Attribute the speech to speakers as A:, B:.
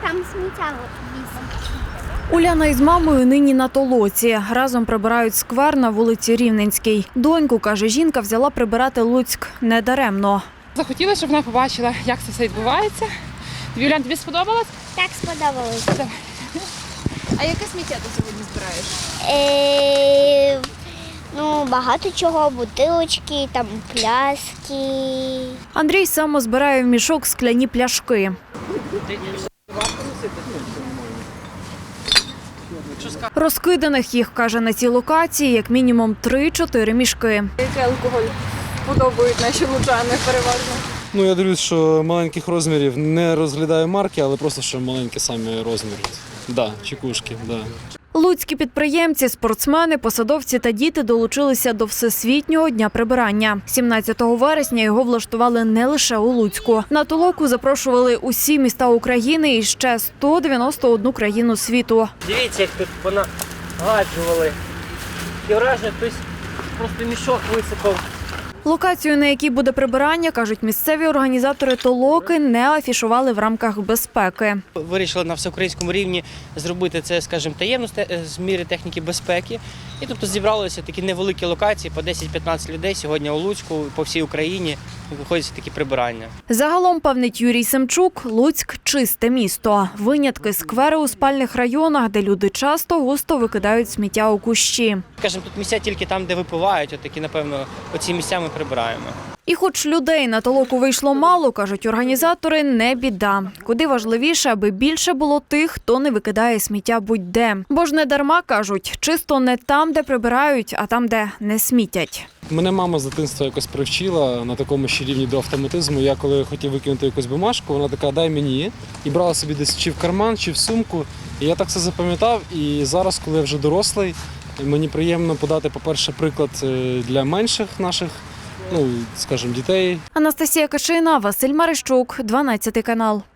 A: там сміття вісить.
B: Уляна із мамою нині на толоці. Разом прибирають сквер на вулиці Рівненській. Доньку, каже жінка, взяла прибирати Луцьк недаремно.
C: Захотіла, щоб вона побачила, як це все відбувається. Улян, тобі сподобалось?
A: Так сподобалось.
C: А яке сміття ти сьогодні збираєш?
A: Багато чого, бутилочки, там пляшки.
B: Андрій само збирає в мішок скляні пляшки. Розкиданих їх, каже, на цій локації як мінімум 3-4 мішки.
D: Який алкоголь подобають наші лучани переважно?
E: Я дивлюсь, що маленьких розмірів не розглядаю марки, але просто що маленькі самі розміри. Да, чекушки, да.
B: Луцькі підприємці, спортсмени, посадовці та діти долучилися до Всесвітнього дня прибирання. 17 вересня його влаштували не лише у Луцьку. На толоку запрошували усі міста України і ще 191 країну світу.
F: Дивіться, як тут понагаджували. І враження, хтось просто мішок висипав.
B: Локацію, на якій буде прибирання, кажуть місцеві організатори толоки, не афішували в рамках безпеки.
F: Вирішили на всеукраїнському рівні зробити це, скажімо, таємно з міри техніки безпеки. І тобто зібралися такі невеликі локації, по 10-15 людей сьогодні у Луцьку, по всій Україні виходять такі прибирання.
B: Загалом, певнить Юрій Семчук, Луцьк – чисте місто. Винятки – сквери у спальних районах, де люди часто густо викидають сміття у кущі.
F: Скажімо, тут місця тільки там, де випивають, отакі, напевно, оці місця ми прибираємо.
B: І хоч людей на толоку вийшло мало, кажуть організатори, не біда. Куди важливіше, аби більше було тих, хто не викидає сміття будь-де. Бо ж не дарма, кажуть, чисто не там, де прибирають, а там, де не смітять.
E: Мене мама з дитинства якось привчила на такому ще рівні до автоматизму. Я коли хотів викинути якусь бумажку, вона така, дай мені. І брала собі десь чи в карман, чи в сумку. І я так це запам'ятав. І зараз, коли я вже дорослий, мені приємно подати, по-перше, приклад для менших наших, скажімо, дітей.
B: Анастасія Кашина, Василь Марищук, 12 канал.